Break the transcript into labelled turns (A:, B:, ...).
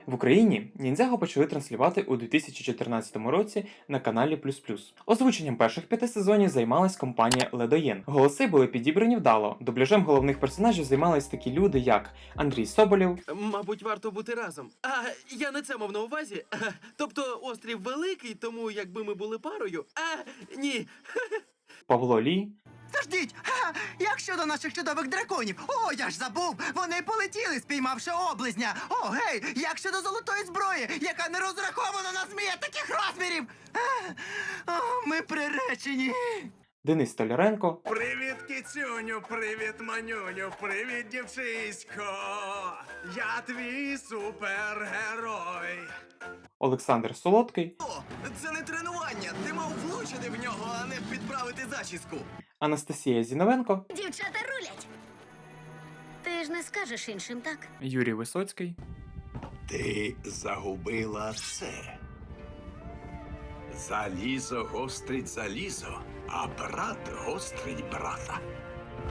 A: В Україні Ніндзяго почали транслювати у 2014 році на каналі Плюс++. Озвученням перших 5 сезонів займалась компанія Ледоєн. Голоси були підібрані вдало. Дубляжем головних персонажів займались такі люди, як Андрій Соболєв,
B: Мабуть, варто бути разом. Я не це мав на увазі. Тобто острів великий, тому якби ми були парою. Ні.
A: Павло Лі,
C: Заждіть! Як щодо наших чудових драконів? О, я ж забув! Вони полетіли, спіймавши облизня! О, гей! Як щодо золотої зброї, яка не розрахована на змія таких розмірів? Ми приречені!
A: Денис Столяренко,
D: Привіт, кицюню, привіт, манюню, привіт, дівчисько. Я твій супергерой.
A: Олександр Солодкий,
C: О, це не тренування! Ти мав влучити в нього, а не підправити зачіску!
A: Анастасія Зіновенко,
E: Дівчата рулять. Ти ж не скажеш іншим, так?
A: Юрій Висоцький,
D: Ти загубила це. Залізо гострить залізо, а брат гострить брата.